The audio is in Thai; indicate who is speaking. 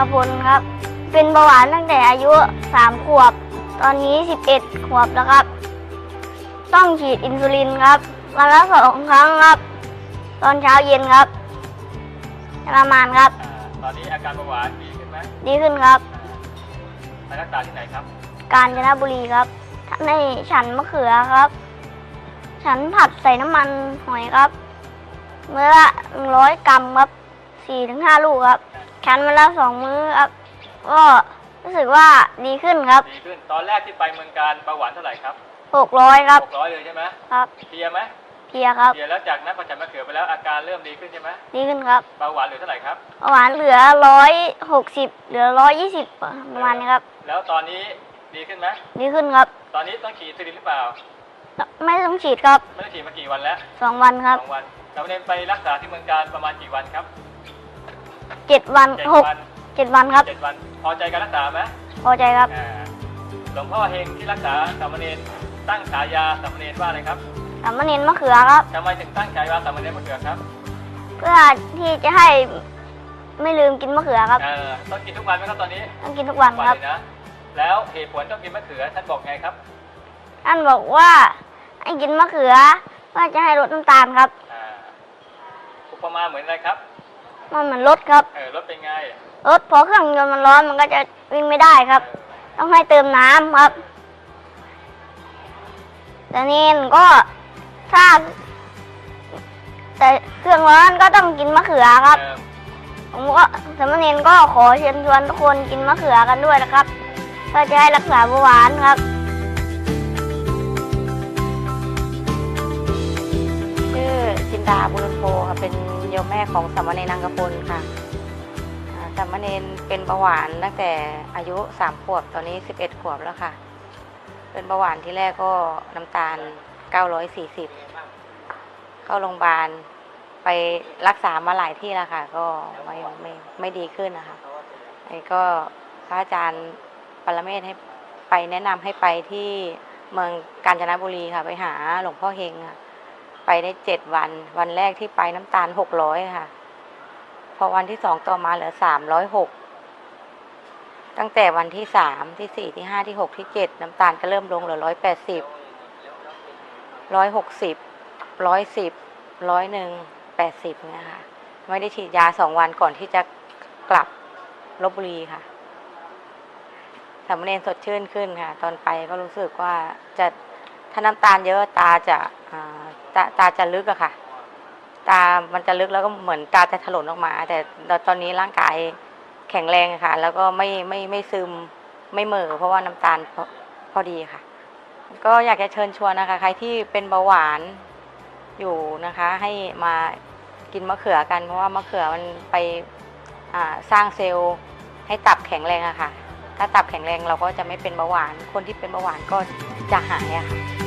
Speaker 1: กพลครับ เป็นเบาหวานตั้งแต่อายุ3 ขวบ ตอนนี้11 ขวบแล้วครับ ต้องฉีดอินซูลินครับวันละ2 ครั้งครับ ตอนเช้าเย็นครับประมาณครับ
Speaker 2: ตอนนี้อาการเบาหวานดีขึ้นไหม
Speaker 1: ดีขึ้นครับ
Speaker 2: ไปรักษาที่ไหนครับ
Speaker 1: กาญจนบุรีครับในฉันมะเขือครับ ฉันผัดใส่น้ำมันหอยครับเมื่อละ100 กรัมครับ 4-5 ลูกครับฉันวันละ2 มื้อครับก็รู้สึกว่าดีขึ้นครับ
Speaker 2: ดีขึ้นตอนแรกที่ไปเมืองการเบาหวานเท่าไหร่ครับ
Speaker 1: 600 ครับ
Speaker 2: 600เลยใช่ไหไหม
Speaker 1: ครับ
Speaker 2: เพลียไหม
Speaker 1: เพลียครับ
Speaker 2: เพลียแล้วจากนั้นพอฉันมะเขือไปแล้วอาการเริ่มดีขึ้นใช่ไหม
Speaker 1: ดีขึ้นครับ
Speaker 2: เบาหวานเหลือเท่าไหร่ครับ
Speaker 1: เบาหวานเหลือ160เหลือ120ประมาณนี้ครับ
Speaker 2: แล้วตอนนี้ดีขึ้นไหม
Speaker 1: ดีขึ้นครับ
Speaker 2: ตอนนี้ต้องฉีดอินซูลินหรือเปล่า
Speaker 1: ไม่ต้องฉีดครับ
Speaker 2: ไม่ได้ฉีดมากี่วันแล้ว
Speaker 1: 2 วันครับ
Speaker 2: 2 วันเราเน้นไปรักษาที่เมืองการประมาณกี่วันครับ
Speaker 1: 7 วัน
Speaker 2: 7 วัน
Speaker 1: 7 วันครับ
Speaker 2: 7 วันพอใจการรักษาไหม
Speaker 1: พอใจครับ
Speaker 2: หลวงพ่อเฮงที่รักษาสามเณรตั้งฉายาสามเณรว่าอะไรครับ
Speaker 1: สามเณรมะเขือครับ
Speaker 2: ทำไมถึงตั้งฉายาสามเณรมะเขือครับ
Speaker 1: เพื่อที่จะให้ไม่ลืมกินมะเขือครับ
Speaker 2: ต้องกินทุกวันไหมครับตอนนี้
Speaker 1: ต้องกินทุกวันครับ
Speaker 2: เลยนะแล้วเหตุผลต้องกินมะเขือท่านบอกไงครับ
Speaker 1: ท่านบอกว่าให้กินมะเขือเพื่อจะให้ลดน้ำตาลครับ
Speaker 2: อุปมาเหมือนอะไรครับ
Speaker 1: มันเหมือนรถครับ
Speaker 2: รถเป็นไง
Speaker 1: รถพอเครื่องยนต์มันร้อนมันก็จะวิ่งไม่ได้ครับ ต้องให้เติมน้ำครับ แต่นี่ก็ถ้าแต่เครื่องร้อนก็ต้องกินมะเขือครับ ผมก็สามเณรก็ขอเชิญชวนทุกคนกินมะเขือกันด้วยนะครับเพื่อจะให้รักษาเบาหวานครับ
Speaker 3: ชื่อจินดาบุญโพค่ะเป็นโยมแม่ของสามเณรนางกพลค่ะสามเณรเป็นเบาหวานตั้งแต่อายุ3 ขวบตอนนี้11 ขวบแล้วค่ะเป็นเบาหวานที่แรกก็น้ำตาล940เข้าโรงพยาบาลไปรักษามาหลายที่แล้วค่ะก็ไม่ดีขึ้นนะคะไอ้ก็พระอาจารย์ปรเมศให้ไปแนะนำให้ไปที่เมืองกาญจนบุรีค่ะไปหาหลวงพ่อเฮงค่ะไปได้7 วันวันแรกที่ไปน้ำตาล600ค่ะพอวันที่2ต่อมาเหลือ306ตั้งแต่วันที่3ที่4ที่5ที่6ที่7น้ำตาลก็เริ่มลงเหลือ180 160 110 101 80เนี่ยค่ะไม่ได้ฉีดยา2 วันก่อนที่จะกลับลพบุรีค่ะสามเณรสดชื่นขึ้นค่ะตอนไปก็รู้สึกว่าจะถ้าน้ำตาลเยอะตาจะลึกอะค่ะตามันจะลึกแล้วก็เหมือนตาจะถลนออกมาแต่ตอนนี้ร่างกายแข็งแรงค่ะแล้วก็ไม่ซึมไม่เหม่อเพราะว่าน้ำตาลพอดีค่ะก็อยากจะเชิญชวนนะคะใครที่เป็นเบาหวานอยู่นะคะให้มากินมะเขือกันเพราะว่ามะเขือมันไปสร้างเซลล์ให้ตับแข็งแรงอะค่ะถ้าตับแข็งแรงเราก็จะไม่เป็นเบาหวานคนที่เป็นเบาหวานก็จะหายอะค่ะ